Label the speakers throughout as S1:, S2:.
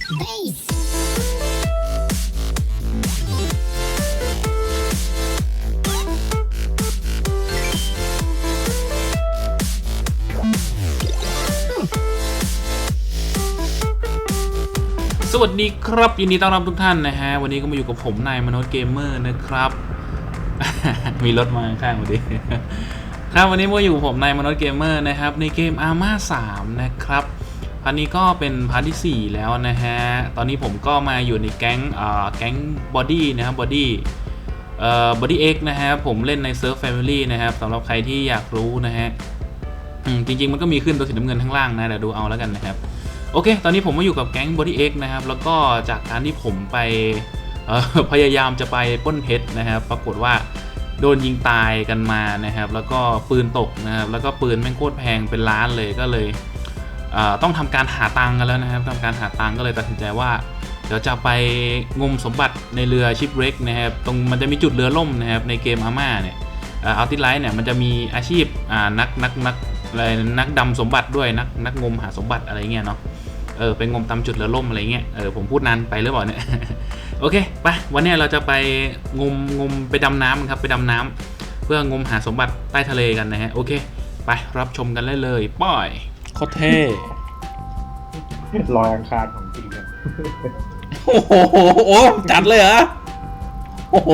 S1: สวัสดีครับยินดีต้อนรับทุกท่านนะฮะวันนี้ก็มาอยู่กับผมนายมโนษเกมเมอร์นะครับ มีรถมาข้างๆพอดีครับวันนี้มาอยู่กับผมนายมโนษเกมเมอร์นะครับในเกม Arma 3นะครับพาร์ทนี้ก็เป็นพาร์ทที่4แล้วนะฮะตอนนี้ผมก็มาอยู่ในแก๊งบอดี้นะครับบอดี้Xนะฮะผมเล่นในเซิร์ฟ Family นะครับสำหรับใครที่อยากรู้นะฮะจริงๆมันก็มีขึ้นตัวสีน้ำเงินข้างล่างนะเดี๋ยวดูเอาแล้วกันนะครับโอเคตอนนี้ผมมาอยู่กับแก๊ง Body X นะครับแล้วก็จากการที่ผมไปพยายามจะไปปล้นเพชรนะครับปรากฏว่าโดนยิงตายกันมานะครับแล้วก็ปืนตกนะครับแล้วก็ปืนแม่งโคตรแพงเป็นล้านเลยก็เลยต้องทำการหาตังค์กันแล้วนะครับทำการหาตังค์ก็เลยตัดสินใจว่าเดี๋ยวจะไปงมสมบัติในเรือชิปเร็กนะครับตรงมันจะมีจุดเรือล่มนะครับในเกมอาม่าเนี่ยอัลติไลท์เนี่ยมันจะมีอาชีพนักดำสมบัติด้วยนักงมหาสมบัติอะไรเงี้ยเนาะไปงมตามจุดเรือล่มอะไรเงี้ยผมพูดนานไปหรือเปล่าเนี่ย โอเคไปวันนี้เราจะไปงมไปดำน้ำครับไปดำน้ำเพื่องมหาสมบัติใต้ทะเลกันนะฮะโอเคไปรับชมกันเลยป้อยโคตรเท่
S2: ลอยอังคารของจริงกัน
S1: โอ้โหจัดเลยเหรอโอ้โห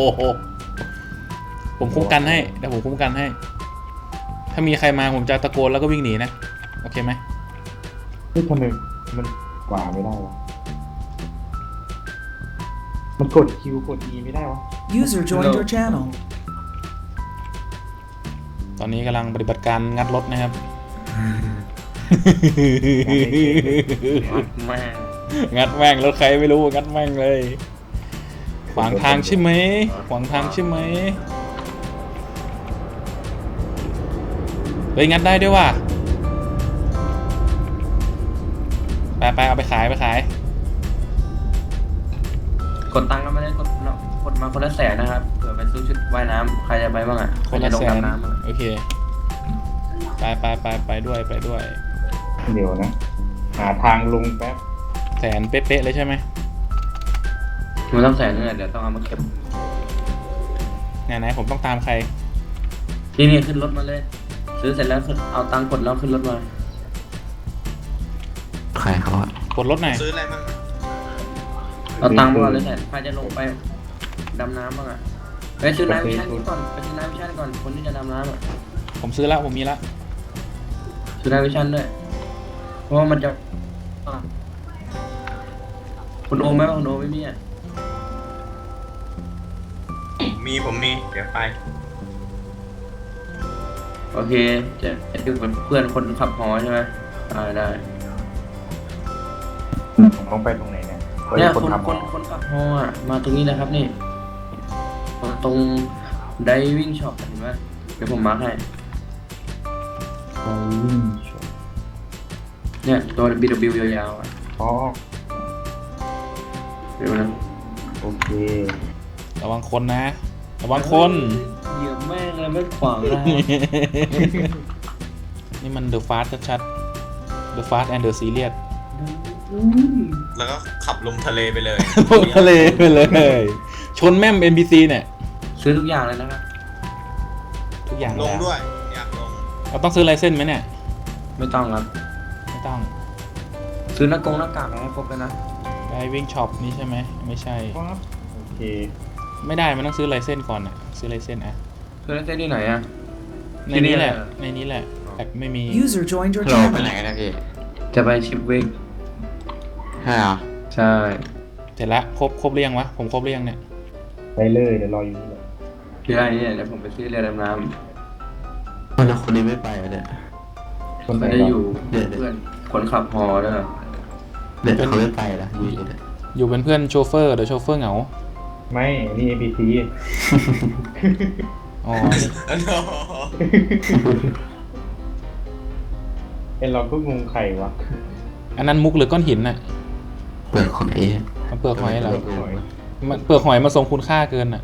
S1: ผมคุ้มกันให้เดี๋ยวผมคุ้มกันให้ถ้ามีใครมาผมจะตะโกนแล้วก็วิ่งหนีนะโอเคไหม
S2: นี่ทำไมมันกว่าไม่ได้วะมันกด Q กด E ไม่ได้วะ
S3: User joined your channel
S1: ตอนนี้กำลังปฏิบัติการงัดรถนะครับงัดแม่งรถใครไม่รู้งัดแม่งเลยขวางทางใช่ไหมขวางทางใช่ไหมเฮ้ยงัดได้ด้วยว่ะไปเอาไปขาย
S4: กดตังค์ก็ไม่ได้กดมาคนละแสนนะครับเผื่อไปซื้อชุดว่ายน้ำใครจะไปบ้างอ่ะ
S1: คนละแสน
S4: น้ำ
S1: โอเคไปด้วย
S2: เดี๋ยวนะหาทางลงแป๊บ
S1: แสนเป๊ะๆเลยใช่ไหม
S4: มันต้องแสนนึงเดี๋ยวต้องเอามาเก็บ
S1: ไหนผมต้องตามใคร
S4: นี่ขึ้นรถมาเลยซื้อเสร็จแล้วเอาตังค์กดแล้วขึ้นรถมา
S5: ใครเขาอะ
S1: กดรถไหน
S4: ซื้ออะไรบ้างเอาตังค์มาเลยแสนใครจะลงไปดำน้ำบ้างอ่ะไปซื้อน้ำวิชั่นก่อนคนที่จะดำน้ำอ่ะ
S1: ผมซื้อแล้วผมมีละ
S4: ซื้อน้ำวิชั่นด้วยเพราะว่ามันจะคุณโอไหมคุณโอไม่มีอ่ะ
S5: ผมมีเดี๋ยวไป
S4: โอเคจะดูเป็นเพื่อนคนขับฮอใช่ไหมได้
S2: ผมต้องไปตรงไหนเนี่ย
S4: คนขับฮออ่ะมาตรงนี้นะครับนี่ตรงไดวิ่งช็อปเห็นไหมเดี๋ยวผมมาร์คให้เนี่ยตัว BW ยาวๆอ่ะ
S2: อ๋อ
S4: เดี๋ยวนะ
S2: โอเค
S1: ระวังคนนะระวังคน
S4: เหยียบแม่งเลยไม่ขวางนะ
S1: นี่มัน The Fast ชัดๆ The Fast and the Serious
S5: แล้วก็ขับลงทะเลไปเลย
S1: ลงทะเลไปเลยชนแม่ม NPC เนี่ย
S4: ซื้อทุกอย่างเลยนะครับ
S1: ทุกอย่าง
S5: ลงด้วยอยากลง
S1: เราต้องซื้อไลเซนส์ไหมเนี่ย
S4: ไม่ต้องครับ
S1: ไม่ต้อง
S4: ซื้อหน้ากากอะไรให้ครบเลยนะ
S1: Diving Shop นี่ใช่ไหมไม่ใช่
S2: โอเค
S1: ไม่ได้มันต้องซื้อไลเซนส์ก่อนอ่ะซื้อไลเซนส์อ่ะ
S4: ซื้อไลเซนส์ที่ไหนอ่ะ
S1: ในนี้แหละแต่ไม่มี
S3: User joined your channel
S5: ไปไหนกันนะพี่
S4: จะไปชิปเวก
S5: ใช่เหรอ
S4: ใช่
S1: เสร็จแล้วครบเรียงวะผมครบเรียงเนี่ย
S2: ไปเลยเดี๋ยวรออยู่นี่เลย
S4: ที่ไรเนี่ยเดี๋ยวผมไปซื้อเรือดำน้
S5: ำแล้วคนนี้ไม่ไปเนี่ย
S4: คนไม่ได้อยู่เพื่อนคนขับฮอด้วย
S5: เด็กเขาไม่ไปละ
S1: อยู่เป็นเพื่อนโชเฟอร์เดี๋ยวโชเฟอร์เหงา
S2: ไม่นี่ APC
S1: อ๋อ
S2: เราก็งงใครวะ
S1: อันนั้นมุกหรือก้อนหินน่ะ
S5: เปลือกหอย
S1: เปลือกหอยเหรอเปลือกหอยมาทรงคุณค่าเกินน่ะ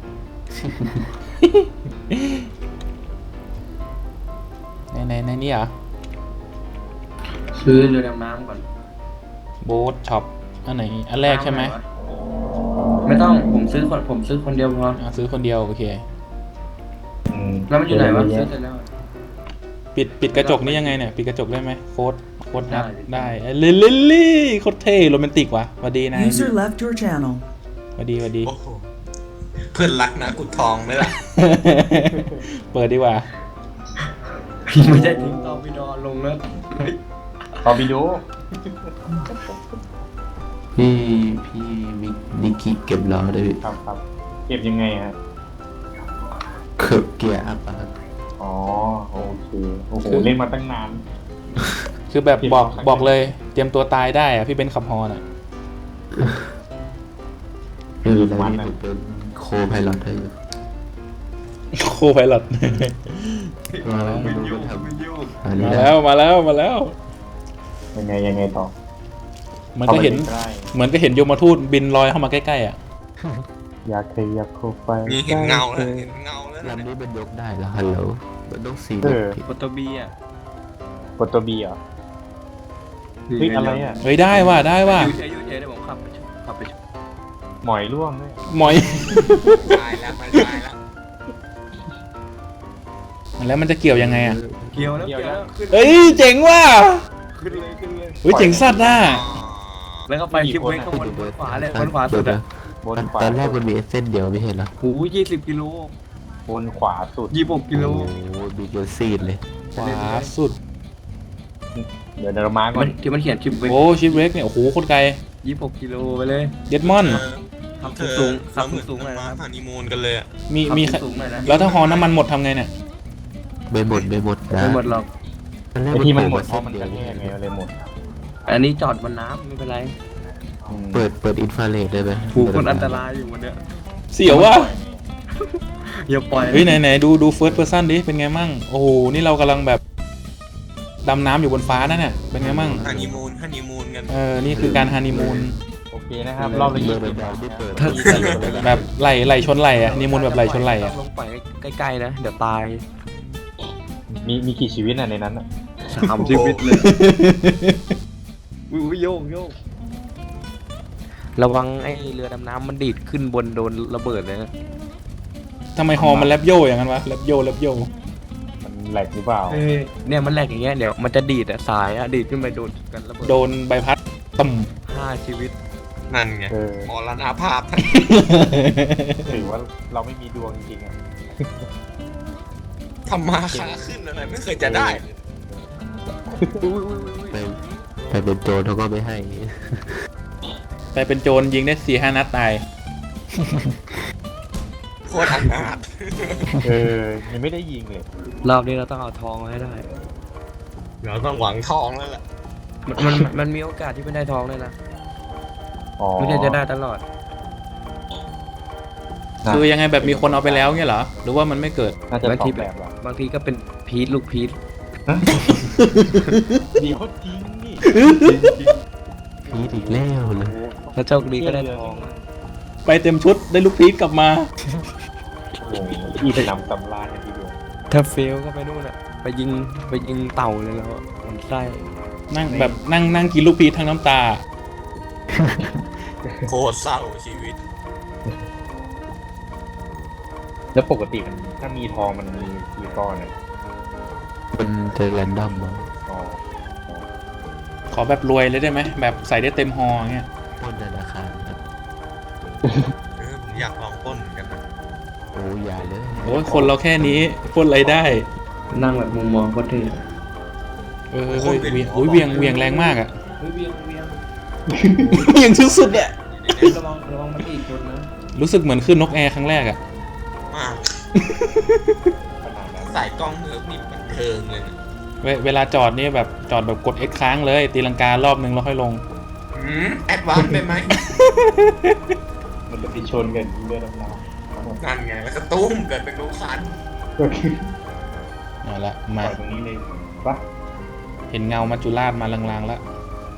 S1: ในนี่เหรอ
S4: ซื้อเรือดำน้ำก่อน
S1: โบ๊ทช็อปอันไหนอันแรกใช่ไหม
S4: ไม่ต้องผมซื้อคนเดียวพอ
S1: ซื้อคนเดียวโอเค
S4: แล้วมันอยู่ไหนวะซื้อเสร็จแล้ว
S1: ปิดกระจกนี่ยังไงเนี่ยปิดกระจกได้ไหมโค้ดนัด
S4: ได้
S1: ได้ลิลลี่โคตรเท่โรแมนติกว่ะสวัสดีนาย
S3: User left your channel.
S1: สวัสดี
S5: โอ้โหเพื่อนรักนะกุดทองไหมล่ะ
S1: เปิดดีกว่า
S4: ไม่ใช่ทิ้งตอวิดอลงแล้ว
S2: ต่อวิดีโอ
S6: พี่มิกนิกกี้เก็บล้อได้พี่
S2: ครับเก็บยังไงฮะ
S6: เกือบเกียร์อัพอะครับ
S2: อ๋อโอเคโอ้โหเล่นมาตั้งนาน
S1: คือแบบบอกเลยเตรียมตัวตายได้อะพี่เบนซ์ขับฮอน่ะ
S6: ไม่เป็นไรพี่ผมเป็นโคไพลอตให้อยู่
S1: โคไพลอต
S6: มาแล้วไม่รู้ว่าทำอันนี้
S1: มา
S6: นะ
S1: แล้วมาแล้ว
S2: ยังไงต่อ
S1: มันก็เห็น
S2: ได้
S1: เหมือนก็เห็นโยมทูตบินลอยเข้ามาใกล้ๆอ่ะ
S2: อยากขยับเข้าไป
S5: นี่เห็นเงาแล้วเห็นเงาแล้ว
S6: ลำ
S5: นะ
S6: นี้มันยกได้แล้วฮัลโหลมันต้องสี
S2: เอ
S6: เด็ก
S2: อ
S6: พี่
S4: โฟโตบีอ่ะ
S2: กดตัวบีเหรอเฮ้ยอะไรอ่ะ
S1: เฮ้ยได้ว่ะ
S4: อยู่เฉยเดี๋ยวผมขับไปชม
S2: หมอยร่วงด้วย
S1: หมอย
S5: ตายแล้วมันตายแล้ว
S1: แล้วมันจะเกี่ยวยังไงอ่ะ
S4: เกี่ยวแล้วขึ้น
S1: เอ้ยเจ๋งว่ะ
S4: ขึ้นเลย
S1: เฮ้ยเจ๋งสัตว์น่ะ
S4: แล้วก็ไปคลิปเวกข้างบนขวาเลยบนขวาสุดอ่ะ
S2: บนขวา
S6: ตอนแรกมันมีเส้นเดียวไม่เห็นเหรอ
S4: โอ้ย20 กิโล
S2: บนขวาสุด
S4: 26 กิโล
S6: โอ้โหดูจนซีดเลย
S1: ขวาสุด
S2: เดี๋ยวเรามาก่อน
S4: ที่มันเขียนคลิปเวก
S1: โอ้ชิปเวกเนี่ยโอ้โหโคตรไกล
S4: 26 กิโลไปเลย
S1: เย็ดมอน
S4: ขับ
S5: เธอ
S4: สูงขั
S5: เรา
S4: บ
S5: เหมือน
S4: สูงหน่อย
S5: มา
S4: นะครับ
S5: ฮันนีมูนกันเลยอะ
S1: มี
S4: ขับสูงหน่อยนะ
S1: แล้วถ้าฮอน้ำมันหมดทำไงเนี่ย
S6: ไม่หมดนะ
S4: ไม่หมดหรอก
S6: ตอนแรก
S2: ไอ้
S6: มัน
S2: ที่มัน
S6: โผ
S2: หม
S6: ล่
S2: ด
S6: มา
S2: เพราะ
S6: เส้น
S2: มัน
S6: เดี
S2: ก
S6: ยว
S2: ระแทกไงเลยหมด
S4: อันนี้จอดบนน้ำไม่เป็นไร
S6: เปิดอินฟราเรดได้ไหม
S4: ผูกคนอันตรายอยู่วันเนี้ย
S1: เสียวว่ะ
S4: อย่าปล่อย
S1: เฮ้ยไหนดูเฟิร์สเพอร์ซันดิเป็นไงมั่งโอ้โหนี่เรากำลังแบบดำน้ำอยู่บนฟ้านั่นน่ะเป็นไงมั่ง
S5: ฮันนีมูนกัน
S1: นี่คือการฮันนีมูน
S2: โอเคนะครับรอบละ
S6: เมื่อ
S2: 20
S6: แบบไม่เปิด
S1: แบบไหลชนไหลอะฮันนีมูนแบบไหลชนไหลอะ
S4: ลงไปใกล้ๆนะเดี๋ยวตาย
S2: มีกี่ชีวิตอ่ะในนั้นอ่ะ
S4: 3 ชีวิตเลยอุ้ยโยกระวังไอ้เรือดำน้ำมันดีดขึ้นบนโดนระเบิดเลยนะ
S1: ทำไมฮอมันแลบโยอย่างนั้นวะแลบโย
S2: มันแหลกหรือเปล่า
S4: เนี่ยมันแหลกอย่างเงี้ยเดี๋ยวมันจะดีดอะสายอะดีดขึ้นไปโดนกันระเบิด
S1: โดนใบพัดต่ำ
S4: 5 ชีวิต
S5: นั่นไง
S2: เออ
S5: มรณภาพทัน
S2: ถือว่าเราไม่มีดวงจริงๆอ่ะ
S5: ทำมาค้าขึ้นอะไรไม่เคยจะได้เลย
S6: ไปเป็นโจรเขาก็ไม่ให้
S1: ไปเป็นโจรยิงได้4-5 นัดตาย
S5: โคตรอนาถ
S2: เออยังไม่ได้ยิงเลย
S4: รอบนี้เราต้องเอาทองมาให้ได้
S5: เราต้องหวังทองแล้วแหละ
S4: มันมีโอกาสที่ไม่ได้ทองเลยนะ
S2: อ๋อ
S4: ไม่ได้จะได้ตลอด
S1: คือยังไงแบบมีคนเอาไปแล้วเงี้ยเหรอหรือว่ามันไม่เกิด
S2: น่าจะ
S4: บาง
S2: สอ
S4: ที
S2: งแบบหรอบ
S4: างทีก็เป็นพีทลูกพีท
S2: เดี๋ยวจริงนี่
S6: พีดอีกแล้วเลย
S4: ถ้าโชคดีก็ได้ทอง
S1: ไปเต็มชุดได้ลูกพีชกลับมา
S2: โอ้โหที่ไปนำตำรากันทีเดียว
S4: ถ้าเฟลก็ไปนู่นอะไปยิงเต่าเลยแล้วมันไส้
S1: นั่งกินลูกพีชทั้งน้ำตา
S5: โคตรเศร้าชีวิต
S2: แล้วปกติมันถ้ามีทองมันมีกี่ก้อนอ่ะ
S6: มันจะแรนดอมมั้ง
S2: อ๋อ
S1: ขอแบบรวยเลยได้ไหมแบบใส่ได้เต็มฮอเงี้ย
S6: ปล้นธนาคารครับ
S5: ผมอยากลองปล้นเหมือนกันนะ
S6: โอ้ยาเลย
S1: โอ้ยคนเราแค่นี้ปล้นอะไรได้
S4: นั่งแบบมุมมองก็เท่
S1: เฮ้ยเวียงโอ้ยเวียงแรงมากอ่ะ
S4: เฮ้ยเวียง
S1: เวียงสุดๆอ่ะ
S4: ระวังมันอีกคนนะ
S1: รู้สึกเหมือนขึ้นนกแอร์ครั้งแรกอ่ะ
S5: มาก
S2: ขนาดนั้น
S5: ใส่กล้องเนื้อนี่บันเทิงเลยนะ
S1: เวลาจอดนี่แบบจอดแบบกด X ค้างเลยตีลังการอบนึงแล้วค่อยลง
S5: แอดวานซ์ไปไหม
S2: มันจะไปชนกันเรือดำน้
S5: นั่นไงแล้วก็ตุ้มเกิดเป็นลูกคัน
S2: ำก็คือ
S1: เอาละ
S2: ป
S1: มา
S2: ล่อยตรงนี้เลยปะ
S1: เห็นเงามัจจุราชมาลางๆแล้ว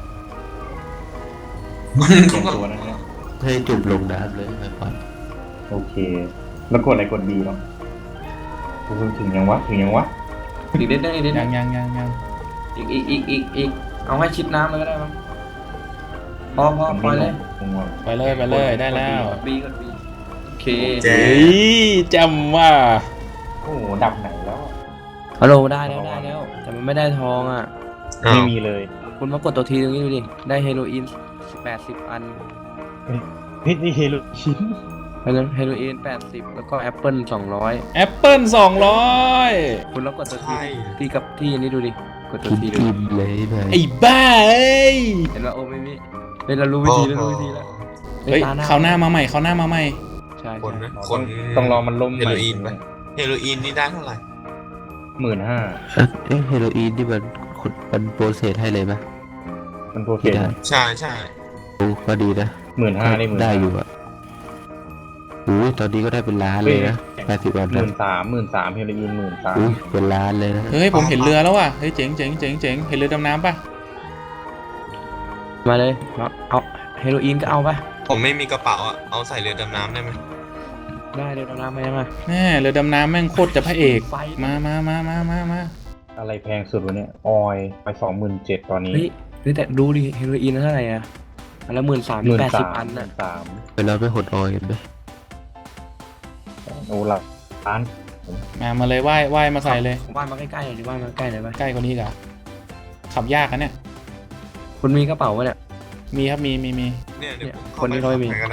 S2: เตรียมตัวนะเนี่ย
S6: ให้จุ่มลงน้ำเลยก่อน
S2: โอเค แล้วกดอะไรกดดีเนาะถึงยังวะ
S4: อีกเด็ดได้
S1: ยัง
S4: อีกเอาให้ชิดน้ำเลยก็ได้มั้งพอปล่อยเลย
S2: ผมว่า
S1: ไปเลยได้แล้ว
S4: กด B โอเค
S5: แจ
S1: เฮ้ยจำว่า
S2: โอ้โหดับไหนแล้ว
S4: ฮัลโหลได้แล้วแต่มันไม่ได้ทองอ่ะ
S5: อ้าว
S2: ไม่มีเลย
S4: คุณมากดตัวทีตรงนี้ดูดิได้เฮโรอีน80 อัน
S2: เฮ้ยนี่เฮโรชิน
S4: เฮโรอีน80แล้วก็แอปเปิล200
S1: แอปเปิล200
S4: คุณลองกดตัวที
S5: ใช่
S4: ที่กับที่อันนี้ดูดิกดตัว
S6: กิน
S4: ทีดู
S6: อิ่มเลยไป
S1: ไอ้บ้าเอ้ย
S4: เห็นว่าโอ้ไม่มีเฮ้ยเรารู้วิธีแล้ว
S1: เฮ้ยเขาวหน้ามาใหม่
S4: ใช่
S5: คนนะคน
S2: ต้องรอมันล่ม
S5: เฮโรอีนไหมเฮโรอีนนี่ได้เท่าไหร่
S2: 15,000
S6: เอ๊ะเฮโรอีนที่มันโปรเซสให้เลยไหม
S2: มันโปรเซ
S6: ที่
S2: ส
S6: ได้
S5: ใช่
S6: โอ้ก็ดีนะ
S2: 15,000ได้15,000
S6: ได้อยู่อะโอ้ยตอนนี้ก็ได้เป็นล้านเลยนะ80 วัน
S2: ห
S6: นะ
S2: 13,000เฮโรอีน13,000
S6: อุ้ยเป็นล้านเลยนะ
S1: เฮ้ยผมเห็นเรือแล้วว่ะเฮ้ยเจ๋งเห็นเรือดำน้ำป่ะ
S4: มาเลยเอาเฮโรอีนก็เอาไป
S5: ผมไม่มีกระเป๋าอ่ะเอาใส่เรือดำน้ำได้ไหม
S4: ได้เดี๋ยวน้ำมามา
S1: แม่เรือดำน้ำแม่งโคตรจะพระเอก
S4: ไฟ
S1: มา
S2: อะไรแพงสุดวะเนี่ยออยไป27,000ตอนนี้
S4: เฮ้ยแต่ดูดิเฮโรอีนเท่าไหร่อะอันละ13,080 อันน่ะ
S2: 13,000
S6: ไปเราไปหดออยกันไหม
S2: โอ้หลักล้าน
S1: มาเลยว่ายมาใส่เลย
S4: ว่านมาใกล้ๆหน่อยดิว่านมาใกล้หน่อยไป
S1: ใกล้กว่านี้อีกอ่ะขับยากอะเนี่ย
S4: คุณมีกระเป๋าวะเนี่ย
S1: มีครับมี
S5: เนี่ยเดี๋ยวผม
S4: คนนี้เขาไม่มี
S5: ก็ได้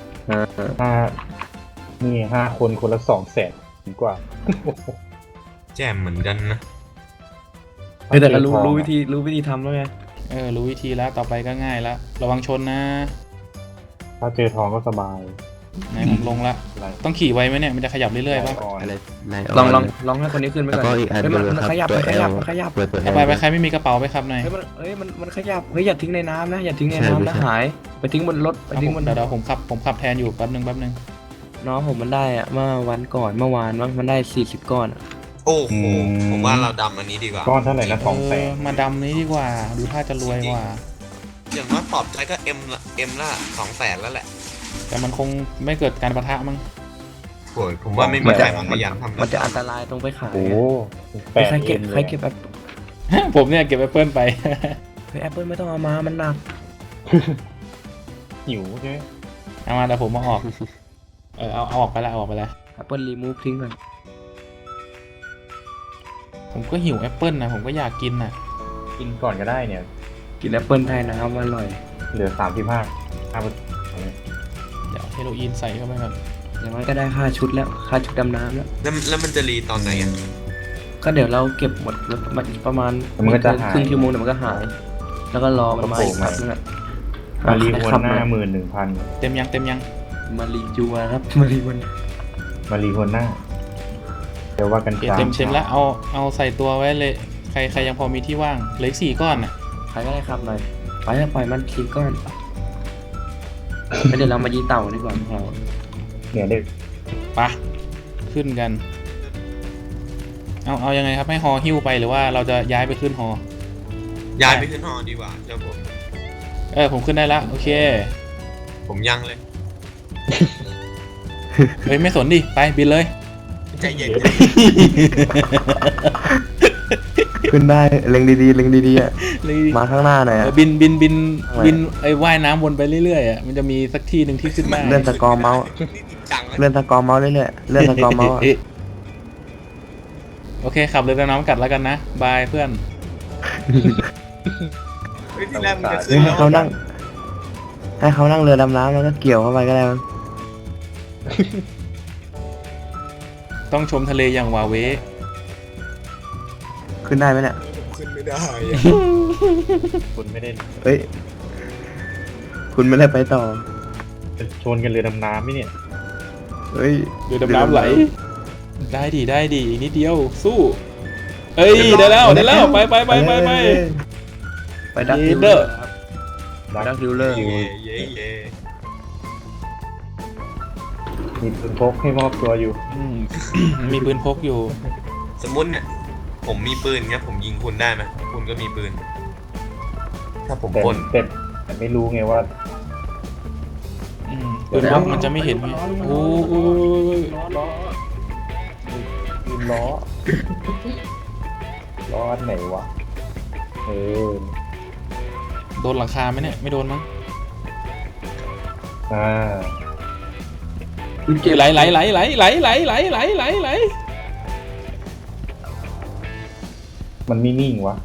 S2: นี่5 คนคนละ200,000กว่า
S5: แจมเหมือนกันนะ
S4: เฮ้ยแต่เรารู้วิธีทำแล้วไง
S1: รู้วิธีแล้วต่อไปก็ง่ายแล้วระวังชนนะ
S2: ถ้าเจอทองก็สบาย
S1: ไหนผมลงละ
S2: อะไร
S1: ต้องขี่ไวไหมเนี่ยมันจะขยับเรื่อยๆป่ะ
S2: ออย
S6: อะไรนาย
S4: ลองให้คนนี้ขึ้นไป
S6: แล้ว
S4: ก่
S6: ก็
S4: อน
S6: อีกอัน
S4: เฮ้ย
S6: นึง
S4: มัน
S6: ครับ
S4: ขยับ
S6: ตัว
S4: มัน
S6: แอ
S4: ขยั
S6: ล
S4: บมันขยับ
S6: เปิดตัวแอ
S1: ไป
S6: ล
S1: ใครไม่มีกระเป๋าไปครับหน่อย
S4: เฮ้ยมันขยับเฮ้ยอย่าทิ้งในน้ำนะอย่าทิ้งในน้ำนะหายไปทิ้งบนรถไปทิ้งบน
S1: เดี๋ยวผมขับแทนอยู่แป๊บนึง
S4: น้องผมมันได้อะเมื่อวันก่อนเมื่อวานมันได้40 ก้อนอะ
S5: โอ้โหผมว่าเราดำอันนี้ดีกว่า
S2: ก้อนเท่าไหร่นะ200,000
S1: มาดำนี้ดีกว่าดูท่าจะรวยกว่า
S5: อย่างน้อยปลอบใจก็เอ็มละ200,000แล้วแหละ
S1: แต่มันคงไม่เกิดการปะทะมั้ง
S5: โอ้ยผมว่าไม่มีใครมาขยันทำ
S4: มันจะอันตรายตรงไปขาย
S2: โอ้
S4: ใคร
S2: 8
S4: เก็บ
S2: เอ็ม
S4: ใคร
S2: เลย
S4: เก็บแอป
S1: ผมเนี่ยเก็บแอปเปิลไป
S4: เฮ้ยแอปเปิลไม่ต้องเอามามันหนัก
S2: หิวใช่ไหม
S1: เอามาแต่ผมมาออกเอาออกไปแล้ว
S4: แอปเปิลรีมูฟทิ้งก่อน
S1: ผมก็หิวแอปเปิลนะผมก็อยากกินน่ะ
S2: กินก่อนก็ได้เนี่ย
S4: กินแอปเปิลไทยนะครับอร่อย
S2: เหลือ35
S1: เดี๋ยวเฮโรอีนใส่เข้าไปก่อน
S4: อย่างน้อยก็ได้ค่าชุดแล้วค่าชุดดำน้ำแล้ว
S5: แล้วมันจะรีตอนไหนอ่ะ
S4: ก็เดี๋ยวเราเก็บหมดแล้วประมาณ
S2: มันก็จะหาย
S4: ครึ่งชั่วโมงเดี๋ยวมันก็หาย แล้วก็รอมันมาอีก
S2: ก็โผล่มา
S4: ครับนั่นแหละ
S2: มารีหัวหน้า
S4: ครับ
S2: 11,000
S1: เต็มยัง
S4: มารีจัวครับมารีวัน
S2: มารีหัวหน้าเดี๋ยวว่ากัน
S1: เต็มแล้วเอาใส่ตัวไว้เลยใครยังพอมีที่ว่างเหลืออีก4 ก้อนน่ะ
S4: ใครก็ได้ครับหน่อยไปแล้วปล่อยมันทิ้งก้อนแล้วเดี๋ยวเรามายีเต่าดีกว่าพอ
S2: เนี่ยเด็ก
S1: ไปะขึ้นกันเอายังไงครับให้ฮอหิ้วไปหรือว่าเราจะย้ายไปขึ้นฮอ
S5: ย้ายไปขึ้นหอดีกว่าเจ้าผม
S1: ผมขึ้นได้ละโอเค
S5: ผมยังเลย
S1: เฮ้ยไม่สนดิไปบินเลย
S5: ใจเย็น
S4: ขึ้นได้เล็งดีๆเล็งดีๆอ่ะมาข้างหน้าหน่อย
S1: บินไอ้ว่ายน้ำวนไปเรื่อยๆอ่ะมันจะมีสักที่หนึ่งที่ขึ้นได้
S4: เลื่อนสกอร์เมาส์
S5: นี่จริงจังเลย
S4: เลื่อนสกอร์เมาส์เรื่อยๆเลื่อนสกอร์เมาส์อะ
S1: โอเคขับเรือดำน้ำกัดแล้วกันนะบายเพื่อน
S5: เฮ้ยที่แรกมันจะขึ้
S4: เฮ้
S5: น
S4: ย
S5: แล้ว
S4: ให้เขานั่งเรือดำน้ำแล้วก็เกี่ยวเข้าไปก็ได้มั้ง
S1: ต้องชมทะเลอย่างวาเว
S4: ขึ้นได้ไหมเนี่ย
S5: ขึ้นไม่ได้อะ
S2: คุณไม่ได้
S4: เฮ้ยคุณไม่ได้ไปต่อ
S2: ชนกันเรือดำน้ำไหมเนี่ย
S4: เฮ้ย
S1: เรือดำน้ำไหลได้ดีอีกนิดเดียวสู้เอ้ยได้แล้วไป
S4: ไปดักดิว
S1: เด
S4: เล
S1: อ
S4: อ
S1: ร์
S4: ร์ดักดิวเลอร์
S5: เย่เย่เย่
S2: มีปืนพกให้มอบตัวอยู่
S1: มีปืนพกอยู่
S5: สมมุติเนี่ยผมมีปืนเงี้ยผมยิงคุณได้ไหมคุณก็มีปืน ถ้าผม
S2: แต่
S5: ปล้น
S2: แต่ไม่รู้ไงว่า
S1: ปืนพกมันจะไม่เห็นไงโอ้ย
S2: ปืนล้อ ล้ออันไหนวะ
S1: โดนหลังคาไหมเนี่ยไม่โดนมั้ง
S2: อ่า
S1: ไหลไหลไหลไหลไหลไหลไหลไหลไหลไหล
S2: มันไม่นิ่งวะ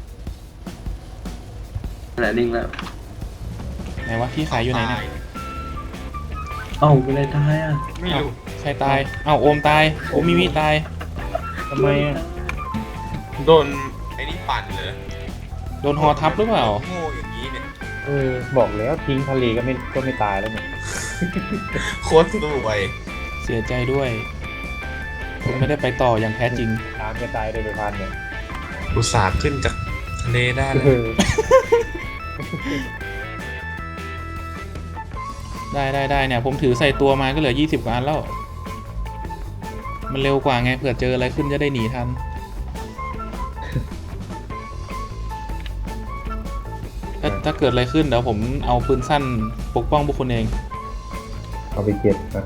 S7: ไหนนิ่งแล้ว
S1: ไหนวะที่ขายอยู่ไหนเนี่ย
S7: เอ้าเป็นไรตายอ่ะ
S5: ไม่รู้
S1: ใครตายเอ้าโอมตายโอมมิตาย
S2: ทำไมอ่ะ
S5: โดนไอ้นี่ปั่นเลย
S1: โดนฮอทับหรือเปล่า
S5: โง่อย่างนี้เนี่ย
S2: บอกแล้วทิ้งทะเลก็ไม่ตายแล้วเนี่ย
S5: โคตรสู้ไป
S1: เสียใจด้วยคุณไม่ได้ไปต่ออย่างแท้จริง
S2: น้ำจะตายโดยไปพันเนี่ย
S5: อุตส่าห์ขึ้นจากทะเลได้เลย
S1: ได้เนี่ยผมถือใส่ตัวมาก็เหลือ20 กว่าอันแล้ว มันเร็วกว่าไงเผื่อเจออะไรขึ้นจะได้หนีทัน ถ้าเกิดอะไรขึ้นเดี๋ยวผมเอาปืนสั้นปกป้องพวกคุณเอง
S2: เอาไปเก็บนะ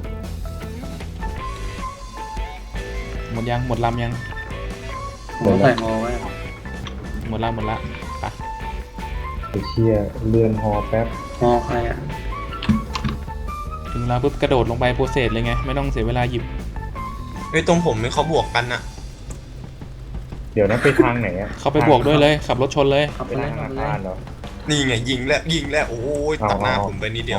S1: หมดยังหมดลำยัง
S7: ผมใส่ฮอไว้
S1: หมดละไป
S2: ไปเชี่ยเรือนฮอแป๊บ
S7: ฮอใครอ่ะ
S1: ถึงเวลาปุ๊บกระโดดลงไปโปรเซสเลยไงไม่ต้องเสียเวลาหยิบ
S5: เฮ้ยตรงผมไม่เขาบวกกันอะ
S2: เดี๋ยวนั้นไปทางไหนอ่ะ
S1: เขาไปบวกด้วยเลยขับรถชนเลย
S7: เอา
S2: ไป
S7: ไปเลย
S2: ทางธ
S7: เอา
S2: นา
S7: ไปเลย
S2: คารเหรอ
S5: นี่ไงยิงแล้วโอ้ยตัดหน้าผมไปนิดเดียว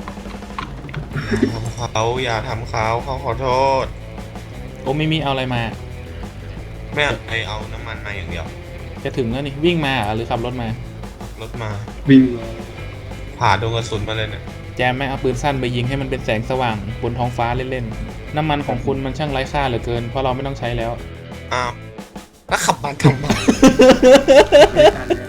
S5: อย่าทำเขาขอโทษ
S1: โอ้ไม่มีเอาอะไรมา
S5: ไม่เอาน้ำมันมาอย่างเดียว
S1: จะถึงแล้วนี่วิ่งมาหรือขับรถมาร
S5: ถมา
S7: วิ่งมา
S5: ผ่าโดนกระสุนมาเลยเนี่ย
S1: แจมไม่เอาปืนสั้นไปยิงให้มันเป็นแสงสว่างบนท้องฟ้าเล่นๆน้ำมันของคุณมันช่างไร้ค่าเหลือเกินเพราะเราไม่ต้องใช้แล้ว
S5: อ้าวแล้วขับมาทำไม
S7: ไม่ทันเลย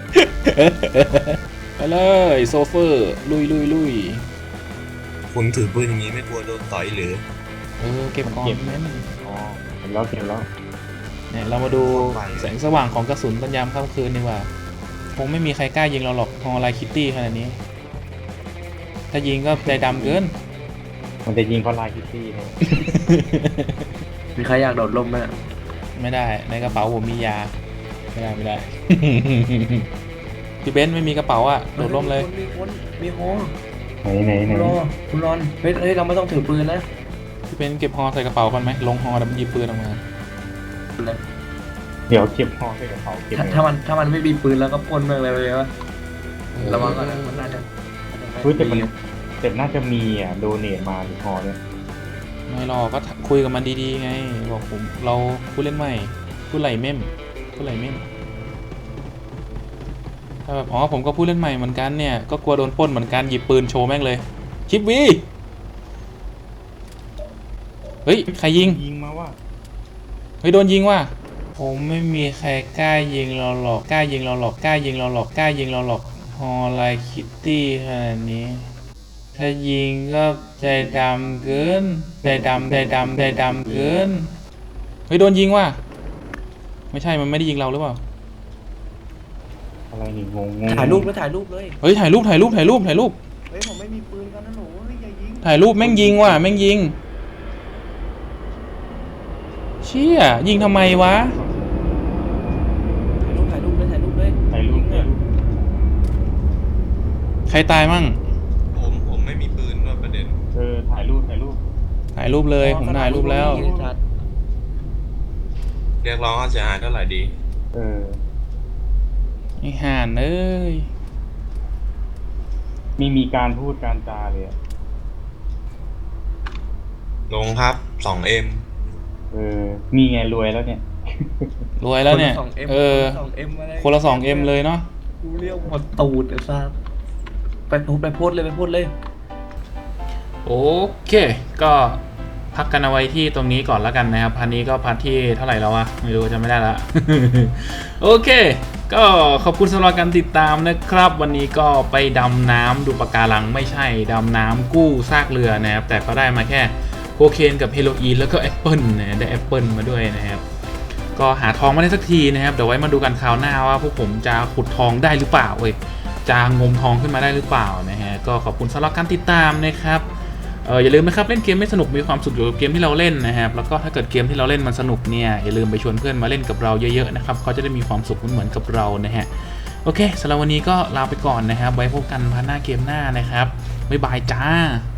S1: ไปเลยโซเฟอร์ลุย
S5: คุณถือปืนอย่างนี้ไม่กลัวโดนต่อยหรือ
S1: เก็บก่อนแม่น
S2: อ๋อเห็นแล้วเห็นแล้ว
S1: เนี่ยเรามาดูแสงสว่างของกระสุนตอนยามค่ำคืนดีกว่าคงไม่มีใครกล้ายิงเราหรอกฮอลไลคิตตี้ขนาดนี้ ถ้ายิงก็ใจดำเกิน
S2: มันจะยิงเพราะลายคิตตี้เนี่ย
S7: มีใครอยากโดดร่มไหม
S1: ไม่ได้ในกระเป๋าผมมียาไม่ได้ พี่เบนซ์ไม่มีกระเป๋าอ่ะโดดร่มเลย
S7: มีฮอ
S2: ไหน
S7: คุณรอนเฮ้ยเราไม่ต้องถือปืนนะ
S1: พี่เบนซ์เก็บฮอใส่กระเป๋าก่อนไหมลงฮอแล้วมันหยิบปืนออกมา
S2: เดี๋ยวเก็บฮอใส่กระเป๋าเก็บ
S7: ถ้ามันไม่มีปืนแล้วก็ปล้นเมืองเลยวะระวังก่อนนะมันน่าจะ
S2: เฮ้ยแต่น่าจะมีอ่ะโดเนทมาหรือฮอเนี่ย
S1: ไม่หรอกก็คุยกับมันดีๆไงบอกผมเราผู้เล่นใหม่ผู้ไหลเม่มถ้าแบบอ๋อผมก็ผู้เล่นใหม่เหมือนกันเนี่ยก็กลัวโดนปล้นเหมือนกันหยิบปืนโชว์แม่งเลยชิปวีเฮ้ยใครยิง
S2: ยิงมาว่า
S1: เฮ้ยโดนยิงว่ะผมไม่มีใครกล้ายิงเราหรอกฮอลไลคิตตี้ขนาดนี้ถ้ายิงก็ใจดำเกินใจดำเกินเฮ้ยโดนยิงว่ะไม่ใช่มันไม่ได้ยิงเราหรือเปล่า
S2: อะไรนี่งง
S7: ถ่ายรูปเลย
S1: เฮ้ยถ่ายรูป
S7: เฮ้ยผมไม่มีปืนกันนะหนูเฮ้ยอย่ายิง
S1: ถ่ายรูปแม่งยิงว่ะแม่งยิงเชี่ยยิงทำไมวะ
S7: ถ่ายรูปเลย
S2: ถ่ายรูปเนี่ย
S1: ใครตายมั่ง
S5: ผมไม่มีปืนด้วยประเด็น
S2: ถ่ายรูป
S1: ถ่ายรูปเลยผมถ่ายรูปแล้ว
S5: เรียกร้องค่าเสียหายเท่าไหร่ดี
S1: ไอ้ห่านเอ้ย
S2: มีการพูดการจาเลยอะ
S5: ลงครับ 2M
S2: มีไงรวยแล้วเนี่ย
S1: รวยแล้วเนี่ย
S7: 2M
S1: คนละ 2M เลยเนาะ
S7: กูเรียกหมดตูดไอ้ซ่าไปโพสเลย
S1: โอเคก็พักกันเอาไว้ที่ตรงนี้ก่อนแล้วกันนะครับพันนี้ก็พันที่เท่าไหร่แล้ววะไม่รู้จำไม่ได้ละ โอเคก็ขอบคุณสำหรับการติดตามนะครับวันนี้ก็ไปดำน้ำดูปะการังไม่ใช่ดำน้ำกู้ซากเรือนะครับแต่ก็ได้มาแค่โคเคนกับเฮโรอีนแล้วก็แอปเปิลนะได้แอปเปิลมาด้วยนะครับก็หาทองไม่ได้สักทีนะครับเดี๋ยวไว้มาดูกันคราวหน้าว่าพวกผมจะขุดทองได้หรือเปล่าจะงมทองขึ้นมาได้หรือเปล่านะฮะก็ขอบคุณสำหรับการติดตามนะครับอย่าลืมนะครับเล่นเกมไม่สนุกมีความสุขอยู่กับเกมที่เราเล่นนะครับแล้วก็ถ้าเกิดเกมที่เราเล่นมันสนุกเนี่ยอย่าลืมไปชวนเพื่อนมาเล่นกับเราเยอะๆนะครับเขาจะได้มีความสุขเหมือนกับเรานะฮะโอเคสำหรับวันนี้ก็ลาไปก่อนนะครับไว้พบกันพาร์ทหน้าเกมหน้านะครับบ๊ายบายจ้า